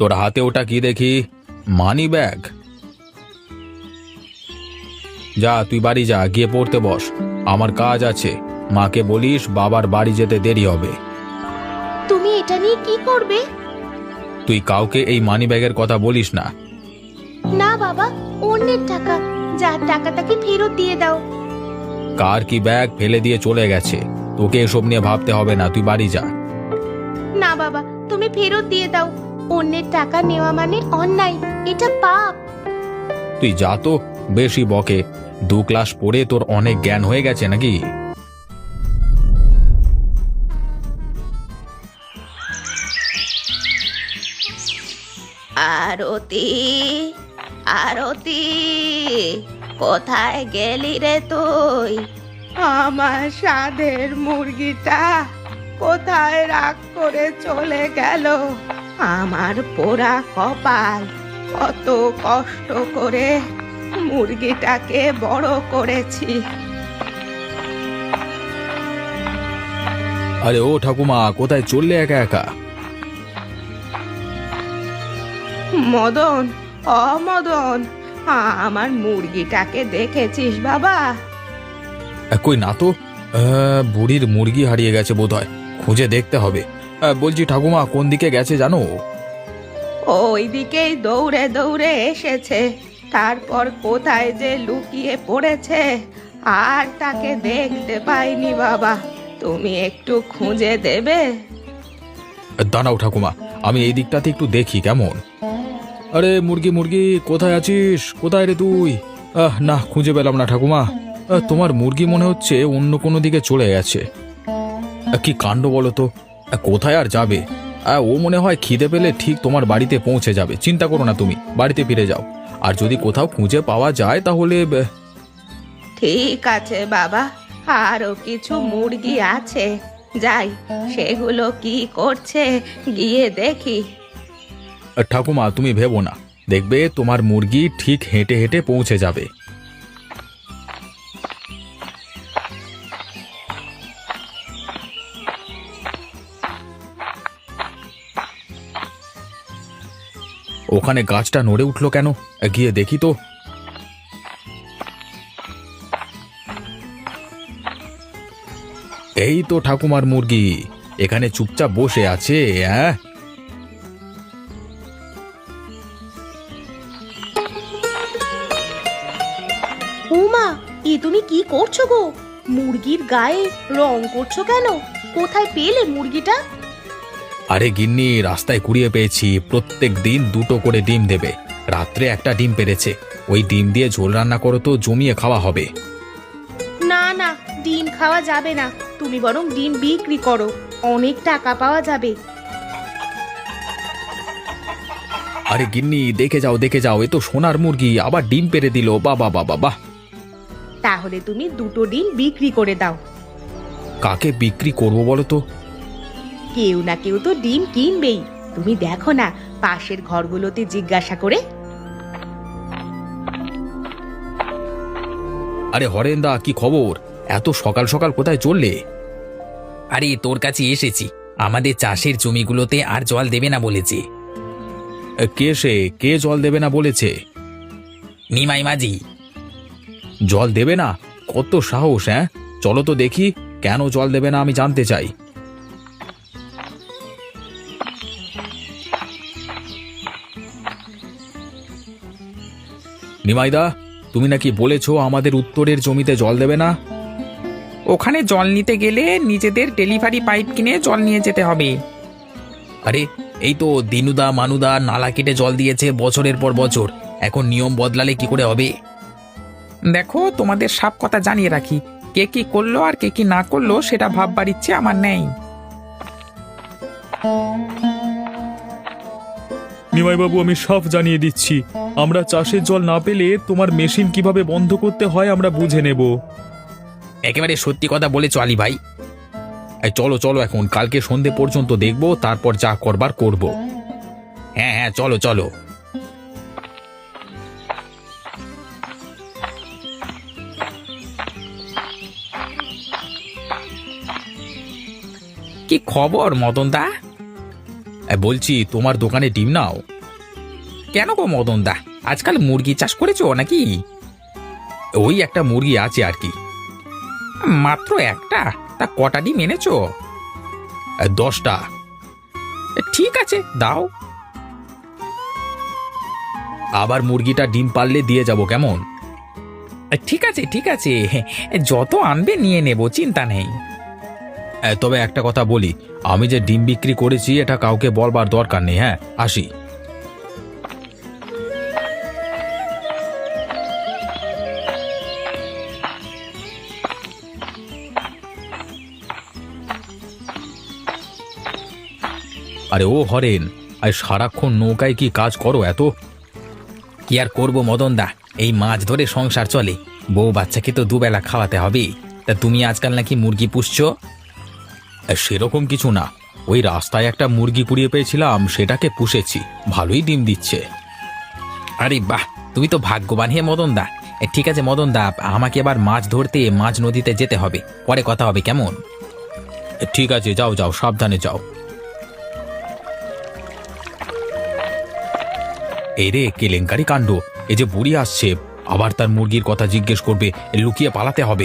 তোর হাতে ওটা কি দেখি? Money bag? যা তুই বাড়ি যা, গিয়ে পড়তে বস। আমার কাজ আছে। মাকে বলিস বাবার বাড়ি যেতে দেরি হবে। তুমি এটা নিয়ে কি করবে? তুই কাউকে এই মানি ব্যাগের কথা বলিস না। না বাবা, অন্যের টাকা, যার টাকা তাকে ফেরত দিয়ে দাও। কার কি ব্যাগ ফেলে দিয়ে চলে গেছে, তোকে এসব নিয়ে ভাবতে হবে না, তুই বাড়ি যা। না বাবা, তুমি ফেরত দিয়ে দাও। অন্যের টাকা নেওয়া মানে অন্যায়, এটা পাপ। তুই যা তো, বেশি বকে। 2 ক্লাস পড়ে তোর অনেক জ্ঞান হয়ে গেছে নাকি? আরতি, আরতি, কোথায় গেলি রে তুই? আমার সাধের মুরগিটা কোথায় রাগ করে চলে গেল? আমার পোড়া কপাল, কত কষ্ট করে মুরগিটাকে বড় করেছি। আরে ও ঠাকুমা, কোথায় চললে একা একা? মদন, অমদন, আমার মুরগিটাকে দেখেছিস বাবা? কই না তো। বুড়ির মুরগি হারিয়ে গেছে বোধহয়, খুঁজে দেখতে হবে। বলছি ঠাকুমা, কোন দিকে গেছে জানো? ওই দিকেই দৌড়ে দৌড়ে এসেছে, তারপর কোথায় যে লুকিয়ে পড়েছে আর তাকে দেখতে পাইনি বাবা। তুমি একটু খুঁজে দেবে? দাঁড়াও ঠাকুমা, আমি এই দিকটাতে একটু দেখি কেমন। আরে মুরগি মুরগি, কোথায় আছিস? কোথায় রে তুই? না, খুঁজে পেলাম না ঠাকুমা। তোমার মুরগি মনে হচ্ছে অন্য কোনো দিকে চলে গেছে। কি কাণ্ড বলো তো, কোথায় আর যাবে? ও মনে হয় খিদে পেলে ঠিক তোমার বাড়িতে পৌঁছে যাবে। চিন্তা করো না, তুমি বাড়িতে ফিরে যাও। আর যদি কোথাও খুঁজে পাওয়া যায় তাহলে ঠিক আছে বাবা, আরো কিছু মুরগি আছে, যাই সেগুলো কি করছে গিয়ে দেখি। ঠাকুমা তুমি ভেবো না, দেখবে তোমার মুরগি ঠিক হেঁটে হেঁটে পৌঁছে যাবে। ওখানে গাছটা নড়ে উঠলো কেন? গিয়ে দেখি তো। এই তো ঠাকুমার মুরগি, এখানে চুপচাপ বসে আছে। হ্যাঁ, উমা, এ তুমি কি করছো গো? মুরগির গায়ে রং করছো কেন? কোথায় পেলে মুরগিটা? আরে গিন্নি, রাস্তায় কুড়িয়ে পেয়েছি। প্রত্যেক দিন 2টো করে ডিম দেবে। রাত্রে একটা ডিম পেড়েছে। ওই ডিম দিয়ে ঝোল রান্না করো তো, জমিয়ে খাওয়া হবে। না না, ডিম খাওয়া যাবে না। তুমি বরং ডিম বিক্রি করো, অনেক টাকা পাওয়া যাবে। আরে গিন্নি, দেখে যাও দেখে যাও, এ তো সোনার মুরগি, আবার ডিম পেড়ে দিল। বাবা বাবা বাহ! তাহলে তুমি 2টো ডিম বিক্রি করে দাও। কাকে বিক্রি করবো বলো তো? কেউ না কেউ তো ডিম কিনবেই। তুমি দেখো না, পাশের ঘরগুলোতে জিজ্ঞাসা করে। আরে হরেন্দা, কি খবর? এত সকাল সকাল কোথায় চললে? আরে তোর কাছে এসেছি, আমাদের চাষের জমিগুলোতে আর জল দেবে না বলেছে। কে জল দেবে না বলেছে? নিমাই মাঝি। জল দেবে না? কত সাহস! হ্যাঁ, চলো তো দেখি, কেন জল দেবে না আমি জানতে চাই। নিমাইদা, তুমি নাকি বলেছো আমাদের উত্তরের জমিতে জল দেবে না? ওখানে জল নিতে গেলে নিজেদের ডেলিভারি পাইপ কিনে জল নিয়ে যেতে হবে। আরে এই তো দিনুদা মানুদা নালা কেটে জল দিয়েছে বছরের পর বছর, এখন নিয়ম বদলালে কি করে হবে? দেখো, তোমাদের সব কথা জানিয়ে রাখি, কে কি করলো আর কে কি না করলো সেটা ভাববার ইচ্ছে আমার নেই। নিমাইবাবু, আমি সব জানিয়ে দিচ্ছি। আমরা চাষের জল না পেলে তোমার মেশিন কিভাবে বন্ধ করতে হয় আমরা বুঝে নেব। একেবারে সত্যি কথা বলেছো আলী ভাই। এই চলো চলো, এখন কালকে সন্ধে পর্যন্ত দেখবো, তারপর যা করবার করব। হ্যাঁ হ্যাঁ, চলো চলো। কি খবর মদন দা? বলছি তোমার দোকানে ডিম নাও। কেন গো মদন দা, আজকাল মুরগি চাষ করেছো নাকি? ওই একটা মুরগি আছে আর কি। মাত্র একটা? তা কটা ডিম এনেছো? 10টা। ঠিক আছে, দাও। আবার মুরগিটা ডিম পারলে দিয়ে যাব, কেমন? ঠিক আছে ঠিক আছে, যত আনবে নিয়ে নেব, চিন্তা নেই। তবে একটা কথা বলি, আমি যে ডিম বিক্রি করেছি এটা কাউকে বলবার দরকার নেই। হ্যাঁ, আসি। আরে ও হরেন, আর সারাক্ষণ নৌকায় কি কাজ করো এত? কি আর করবো মদন দা, এই মাছ ধরে সংসার চলে। বউ বাচ্চাকে তো দুবেলা খাওয়াতে হবে। তা তুমি আজকাল নাকি মুরগি পুষছো? সেরকম কিছু না, ওই রাস্তায় একটা মুরগি কুড়িয়ে পেয়েছিলাম, সেটাকে পুষেছি, ভালোই ডিম দিচ্ছে। আরে বাহ, তুমি তো ভাগ্যবান হে মদন দা। ঠিক আছে মদন দা, আমাকে এবার মাছ ধরতে মাছ নদীতে যেতে হবে, পরে কথা হবে, কেমন? ঠিক আছে, যাও যাও, সাবধানে যাও। এই রে, কেলেঙ্কারি কাণ্ড! এই যে বুড়ি আসছে, আবার তার মুরগির কথা জিজ্ঞেস করবে, লুকিয়ে পালাতে হবে।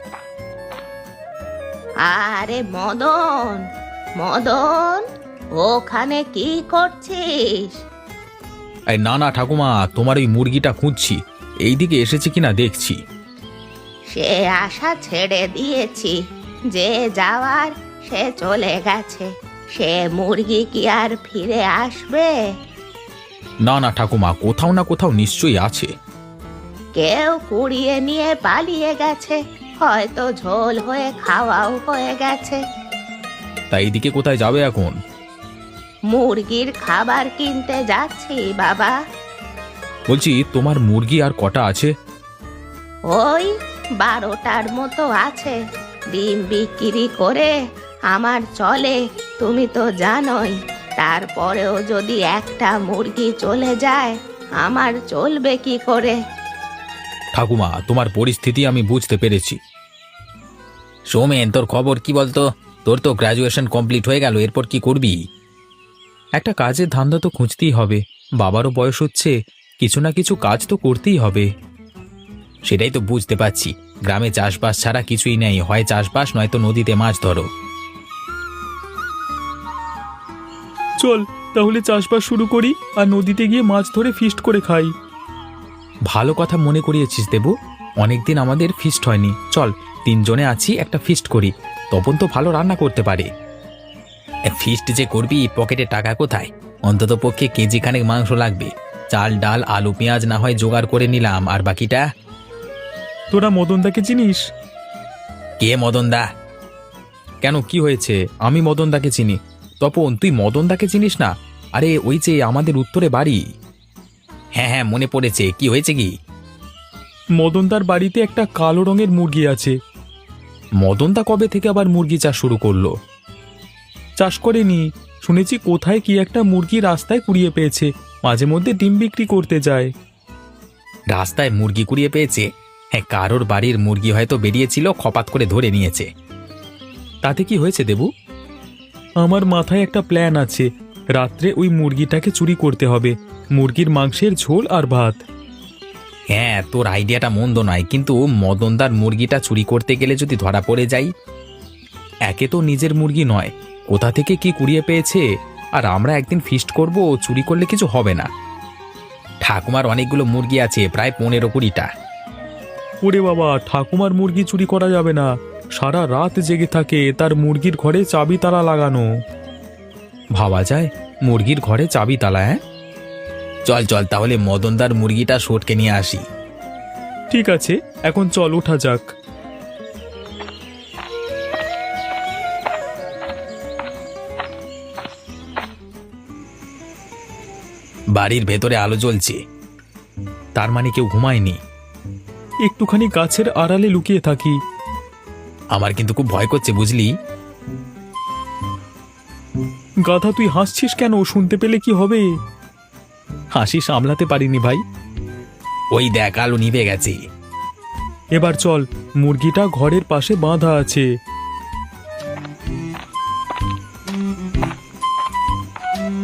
আরে মদন, মদন, ওখানে কি করছিস? এই না না ঠাকুমা, তোমার ওই মুরগিটা খুঁজছি, এইদিকে এসেছে কিনা দেখছি। সে আশা ছেড়ে দিয়েছি, যে যাওয়ার সে চলে গেছে। সে মুরগি কি আর ফিরে আসবে? না না ঠাকুমা, কোথাও না কোথাও নিশ্চয়ই আছে। কেউ কুড়িয়ে নিয়ে পালিয়ে গেছে, হয়তো ঝোল হয়ে খাওয়াও হয়ে গেছে। তাই এইদিকে কোথায় যাবে এখন? মুরগির খাবার কিনতে যাচ্ছি বাবা। বলছি, তোমার মুরগি আর কটা আছে? ওই 12টার মতো আছে। ডিম বিক্রি করে আমার চলে, তুমি তো জানোই। তারপরেও যদি একটা মুরগি চলে যায়, আমার চলবে কি করে? ঠাকুমা, তোমার পরিস্থিতি আমি বুঝতে পেরেছি। সৌমেন, তোর খবর কি বলতো? তোর তো গ্রাজুয়েশন কমপ্লিট হয়ে গেল, এরপর কি করবি? একটা কাজের ধান্দা তো খুঁজতেই হবে, বাবারও বয়স হচ্ছে, কিছু না কিছু কাজ তো করতেই হবে। সেটাই তো বুঝতে পারছি, গ্রামে চাষবাস ছাড়া কিছুই নেই, হয় চাষবাস নয়তো নদীতে মাছ ধরো। চল তাহলে চাষবাস শুরু করি, আর নদীতে গিয়ে মাছ ধরে ফিস্ট করে খাই। ভালো কথা মনে করিয়েছিস দেবু, অনেকদিন আমাদের ফিস্ট হয়নি। চল, 3 জনে আছি, একটা ফিস্ট করি। তপন তো ভালো রান্না করতে পারে। ফিস্ট যে করবি, পকেটে টাকা কোথায়? অন্তত পক্ষে কেজি খানেক মাংস লাগবে। চাল ডাল আলু পেঁয়াজ না হয় জোগাড় করে নিলাম, আর বাকিটা? তোরা মদনদাকে চিনিস? কে মদনদা? কেন, কি হয়েছে? আমি মদনদাকে চিনি। তপন, তুই মদনদাকে চিনিস না? আরে ওই যে আমাদের উত্তরে বাড়ি। হ্যাঁ হ্যাঁ, মনে পড়েছে, কি হয়েছে কি? মদনদার বাড়িতে একটা কালো রঙের মুরগি আছে। মদনদা কবে থেকে আবার মুরগি চাষ শুরু করলো? চাষ করেনি, শুনেছি কোথায় কি একটা মুরগি রাস্তায় কুড়িয়ে পেয়েছে, মাঝে মধ্যে ডিম বিক্রি করতে যায়। রাস্তায় মুরগি কুড়িয়ে পেয়েছে? হ্যাঁ, কারোর বাড়ির মুরগি হয়তো বেরিয়েছিল, খপাত করে ধরে নিয়েছে। তাতে কি হয়েছে দেবু? আমার মাথায় একটা প্ল্যান আছে, রাত্রে ওই মুরগিটাকে চুরি করতে হবে, মুরগির মাংসের ঝোল আর ভাত। হ্যাঁ, তোর আইডিয়াটা মন্দ নয়, কিন্তু মদনদার মুরগিটা চুরি করতে গেলে যদি ধরা পড়ে যাই? একে তো নিজের মুরগি নয়, কোথা থেকে কি কুড়িয়ে পেয়েছে, আর আমরা একদিন ফিস্ট করব, চুরি করলে কিছু হবে না। ঠাকুমার অনেকগুলো মুরগি আছে, প্রায় 15-20টা। ওরে বাবা, ঠাকুমার মুরগি চুরি করা যাবে না, সারা রাত জেগে থাকে, তার মুরগির ঘরে চাবি তালা লাগানো। ভাবা যায়, মুরগির ঘরে চাবি তালা? হ্যাঁ, চল চল তাহলে মদনদার মুরগিটা সটকে নিয়ে আসি। ঠিক আছে, এখন চল, ওঠা যাক। বাড়ির ভেতরে আলো জ্বলছে, তার মানে কেউ ঘুমায়নি। একটুখানি গাছের আড়ালে লুকিয়ে থাকি। আমার কিন্তু খুব ভয় করছে, বুঝলি? গাধা, তুই হাসছিস কেন? শুনতে পেলে কি হবে? হাসি সামলাতে পারিনি ভাই। ওই দেখ, আলো নিভে গেছে। এবার চল, মুরগিটা ঘরের পাশে বাঁধা আছে।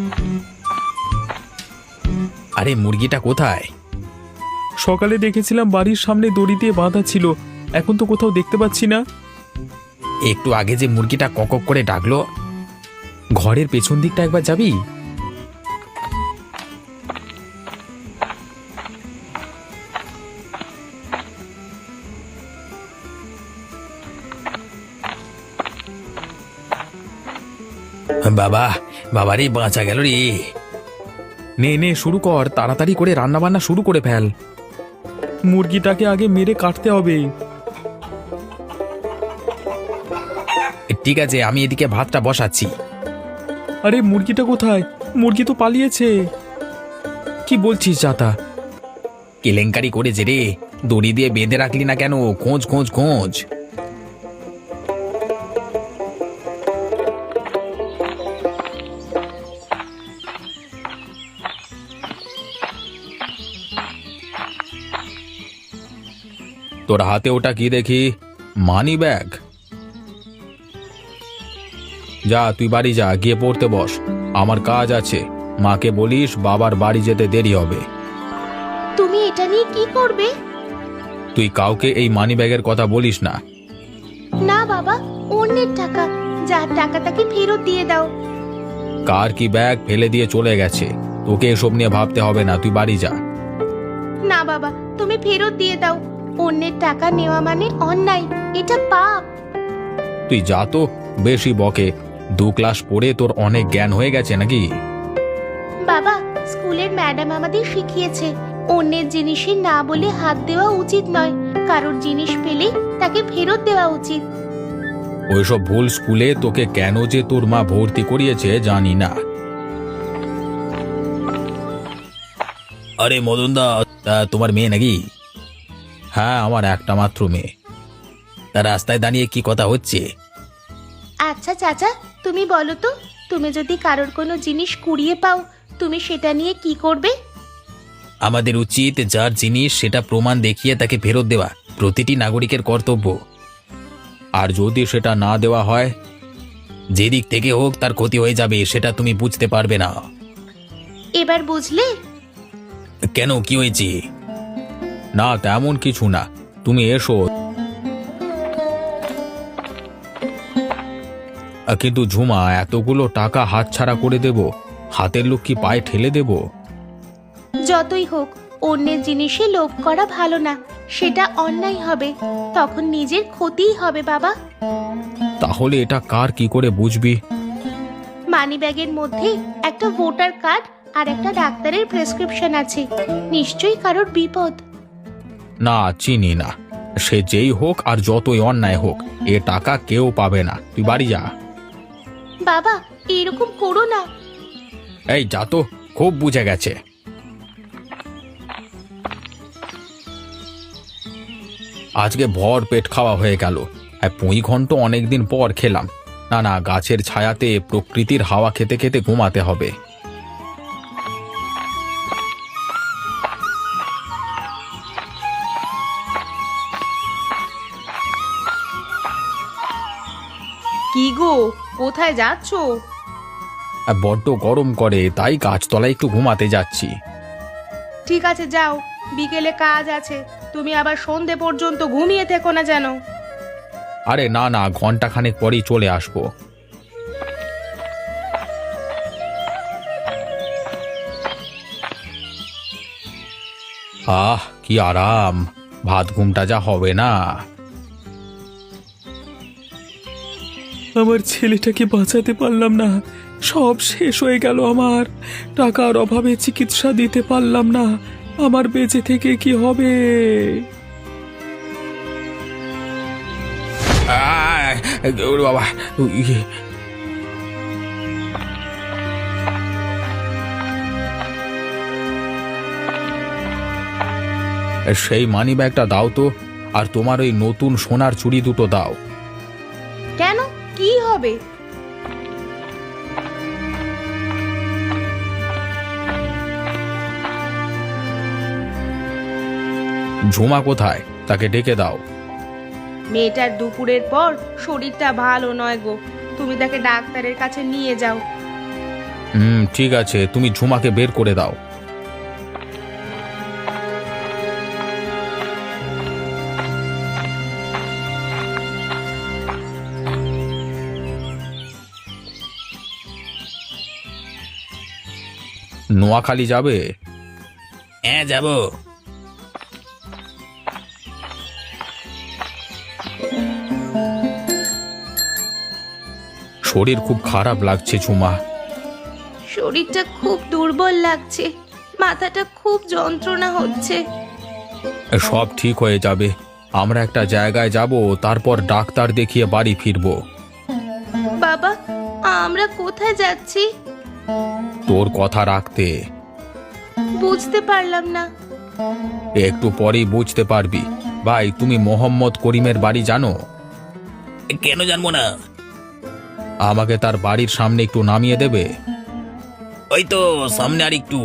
আরে মুরগিটা কোথায়? সকালে দেখেছিলাম বাড়ির সামনে দড়ি দিয়ে বাঁধা ছিল, এখন তো কোথাও দেখতে পাচ্ছি না। একটু আগে যে মুরগিটা কক করে ডাকলো। ঘরের পেছন দিকটা একবার যাবি? বাবা, বাবারে বাঁচা গেল রে। নে নে শুরু কর, তাড়াতাড়ি করে রান্না বান্না শুরু করে ফেল। মুরগিটাকে আগে মেরে কাটতে হবে। ঠিক আছে, আমি এদিকে ভাতটা বসাচ্ছি। আরে মুরগিটা কোথায়? মুরগি তো পালিয়েছে। কি বলছিস চাতা? কেলেঙ্কারি করেছে রে, দড়ি দিয়ে বেঁধে রাখলি না কেন? খোঁজ খোঁজ খোঁজ। তোর হাতে ওটা কি দেখি? Money bag. যা তুই বাড়ি যা, গিয়ে পড়তে বস, আমার কাজ আছে। মাকে বলিস বাবার বাড়ি যেতে দেরি হবে। তুমি এটা নিয়ে কি করবে? তুই কাউকে এই মানি ব্যাগের কথা বলিস না। না বাবা, অন্যের টাকা, যার টাকা তাকে ফেরত দিয়ে দাও। কার কি ব্যাগ ফেলে দিয়ে চলে গেছে, তোকে এসব নিয়ে ভাবতে হবে না, তুই বাড়ি যা। না বাবা, তুমি ফেরত দিয়ে দাও। অন্যের টাকা নেওয়া মানে অন্যায়, এটা পাপ। তুই যা তো, বেশি বকে। 2 ক্লাস পড়ে তোর অনেক জ্ঞান হয়ে গেছে নাকি? বাবা, স্কুলের ম্যাডাম আমাদের শিখিয়েছে অন্যের জিনিসে না বলে হাত দেওয়া উচিত নয়, কারোর জিনিস পেলে তাকে ফেরত দেওয়া উচিত। ওইসব ভুল স্কুলে তোকে কেন যে তোর মা ভর্তি করিয়েছে জানি না। আরে মদন দা, তোমার মেয়ে নাকি? হ্যাঁ, আমার একটা মাত্র মেয়ে। তার রাস্তায় দাঁড়িয়ে কি কথা হচ্ছে? আচ্ছা চাচা, তুমি বলো তো, তুমি যদি কারোর কোনো জিনিস কুড়িয়ে পাও, তুমি সেটা নিয়ে কি করবে? আমাদের উচিত যার জিনিস সেটা প্রমাণ দেখিয়ে তাকে ফেরত দেওয়া প্রতিটি নাগরিকের কর্তব্য। আর যদি সেটা না দেওয়া হয়? যেদিক থেকে হোক তার ক্ষতি হয়ে যাবে, সেটা তুমি বুঝতে পারবে না। এবার বুঝলে? কেন, কি হয়েছে? না, তেমন কিছু না, তুমি এসো। কিন্তু ঝুমা, এতগুলো টাকা হাতছাড়া করে দেব? হাতের লোক কি পায়ে ঠেলে দেব? যতই হোক, অন্যের জিনিসে লোভ করা ভালো না, সেটা অন্যায় হবে, তখন নিজের ক্ষতিই হবে বাবা। তাহলে এটা কার কি করে বুঝবি? মানিব্যাগের মধ্যে একটা ভোটার কার্ড আর একটা ডাক্তারের প্রেসক্রিপশন আছে, নিশ্চয়ই কারোর বিপদ। না, চিনি না। সে যেই হোক আর যতই অন্যায় হোক, এ টাকা কেউ পাবে না, তুই বাড়ি যা। বাবা, এরকম করো না। এই যা তো, খুব বুঝে গেছে। আজকে ভর পেট খাওয়া হয়ে গেল। পুঁই ঘন্ট অনেকদিন পর খেলাম। না না, গাছের ছায়াতে প্রকৃতির হাওয়া খেতে খেতে ঘুমাতে হবে। কি গো, কোথায় যাচ্ছো? বড্ড গরম করে, তাই গাছতলায় একটু ঘুমাতে যাচ্ছি। ঠিক আছে, যাও, বিকেলে কাজ আছে, তুমি আবার সন্ধে পর্যন্ত ঘুমিয়ে থেকো না যেন। আরে না না, ঘন্টাখানেক পরেই চলে আসবো। আহ, কি আরাম! ভাত ঘুমটা যা হবে না। আমার ছেলেটাকে বাঁচাতে পারলাম না, সব শেষ হয়ে গেল আমার। টাকার অভাবে চিকিৎসা দিতে পারলাম না, আমার বেঁচে থেকে কি হবে? বাবা, সেই মানি ব্যাগটা দাও তো, আর তোমার ওই নতুন সোনার চুড়ি দুটো দাও। কেন, কি হবে? ঝুমা কোথায়? তাকে ডেকে দাও। মেয়েটার দুপুরের পর শরীরটা ভালো নয় গো, তুমি তাকে ডাক্তারের কাছে নিয়ে যাও। ঠিক আছে, তুমি ঝুমাকে বের করে দাও। নোয়াখালী যাবে? হ্যাঁ যাব। শরীর খুব খারাপ লাগছে ঝুমা। শরীরটা খুব দুর্বল লাগছে, মাথাটা খুব যন্ত্রণা হচ্ছে। সব ঠিক হয়ে যাবে। আমরা একটা জায়গায় যাব, তারপর ডাক্তার দেখিয়ে বাড়ি ফিরবো। বাবা, আমরা কোথায় যাচ্ছি? তোর কথা রাখতে। বুঝতে পারলাম না। একটু পরেই বুঝতে পারবি। ভাই, তুমি মোহাম্মদ করিমের বাড়ি জানো? কেন জানবো না? আমাকে তার বাড়ির সামনে একটু নামিয়ে দেবে? ওই তো সামনে আর একটু।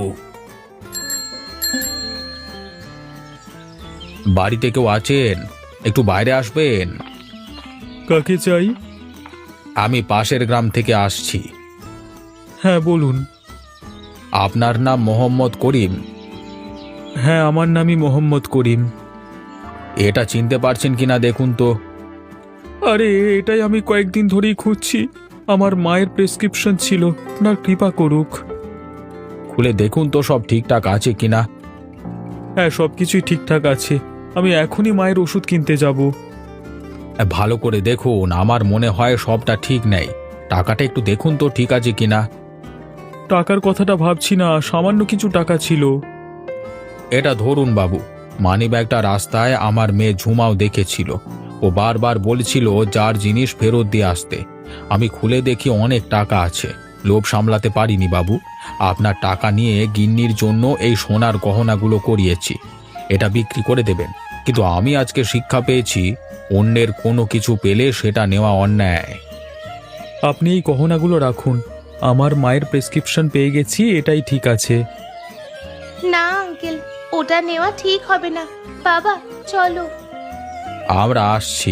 বাড়িতে কেউ আছেন? একটু বাইরে আসবেন। কাকে চাই? আমি পাশের গ্রাম থেকে আসছি। হ্যাঁ বলুন। আপনার নাম মোহাম্মদ করিম? হ্যাঁ, আমার নামই মোহাম্মদ করিম। এটা চিনতে পারছেন কিনা দেখুন তো। আরে, এটাই আমি কয়েকদিন ধরেই খুঁজছি। আমার মায়ের প্রেসক্রিপশন ছিল, আপনার কৃপা করুক। খুলে দেখুন তো সব ঠিকঠাক আছে কিনা। হ্যাঁ, সব কিছুই ঠিকঠাক আছে। আমি এখনই মায়ের ওষুধ কিনতে যাব। ভালো করে দেখুন, আমার মনে হয় সবটা ঠিক নেই। টাকাটা একটু দেখুন তো ঠিক আছে কিনা। টাকার কথাটা ভাবছি না, সামান্য কিছু টাকা ছিল। এটা ধরুন বাবু, মানিব্যাগটা রাস্তায় আমার মেয়ে ঝুমাও দেখেছিল। ও বারবার বলছিল যার জিনিস ফেরত দিয়ে আসতে। আমি খুলে দেখি অনেক টাকা আছে। লোভ সামলাতে পারিনি বাবু। আপনার টাকা নিয়ে গিন্নির জন্য এই সোনার গহনাগুলো করিয়েছি। এটা বিক্রি করে দেবেন। কিন্তু আমি আজকে শিক্ষা পেয়েছি, অন্যের কোনো কিছু পেলে সেটা নেওয়া অন্যায়। আপনি এই গহনাগুলো রাখুন। আমার মায়ের প্রেসক্রিপশন পেয়ে গেছি, এটাই ঠিক আছে। না আঙ্কেল, ওটা নেওয়া ঠিক হবে না। বাবা চলো। আমরা আসছি।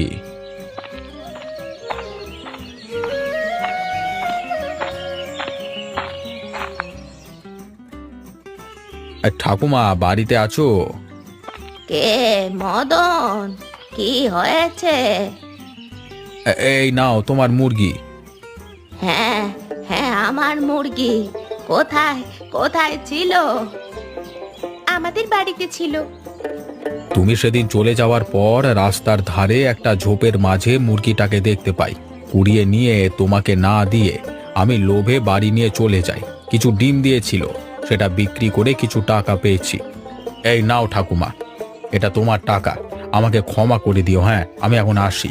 ঠাকুমা, বাড়িতে আছো? কে? মদন, কি হয়েছে? এই নাও তোমার মুরগি। হ্যাঁ হ্যাঁ, আমার মুরগি কোথায় কোথায় ছিল? আমাদের বাড়িতে ছিল। তুমি সেদিন চলে যাওয়ার পর রাস্তার ধারে একটা ঝোপের মাঝে মুরগিটাকে দেখতে পাই। কুড়িয়ে নিয়ে তোমাকে না দিয়ে আমি লোভে বাড়ি নিয়ে চলে যাই। কিছু ডিম দিয়েছিল, সেটা বিক্রি করে কিছু টাকা পেয়েছি। এই নাও ঠাকুমা, এটা তোমার টাকা। আমাকে ক্ষমা করে দিও। হ্যাঁ, আমি এখন আসি।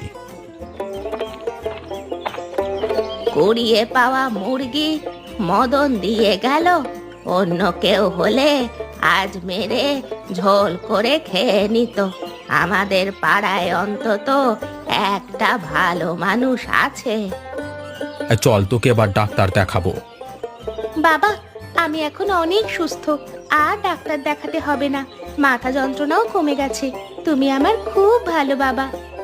কুড়িয়ে পাওয়া মুরগি মদন দিয়ে গেল। অন্য কেউ হলে আজ মেরে ঝোল করে খেয়ে নিত। আমাদের পাড়ায় অন্তত একটা ভালো মানুষ আছে। চল, তোকে এবার ডাক্তার দেখাবো। বাবা, আমি এখন অনেক সুস্থ, আর ডাক্তার দেখাতে হবে না। মাথা যন্ত্রণাও কমে গেছে। তুমি আমার খুব ভালো বাবা।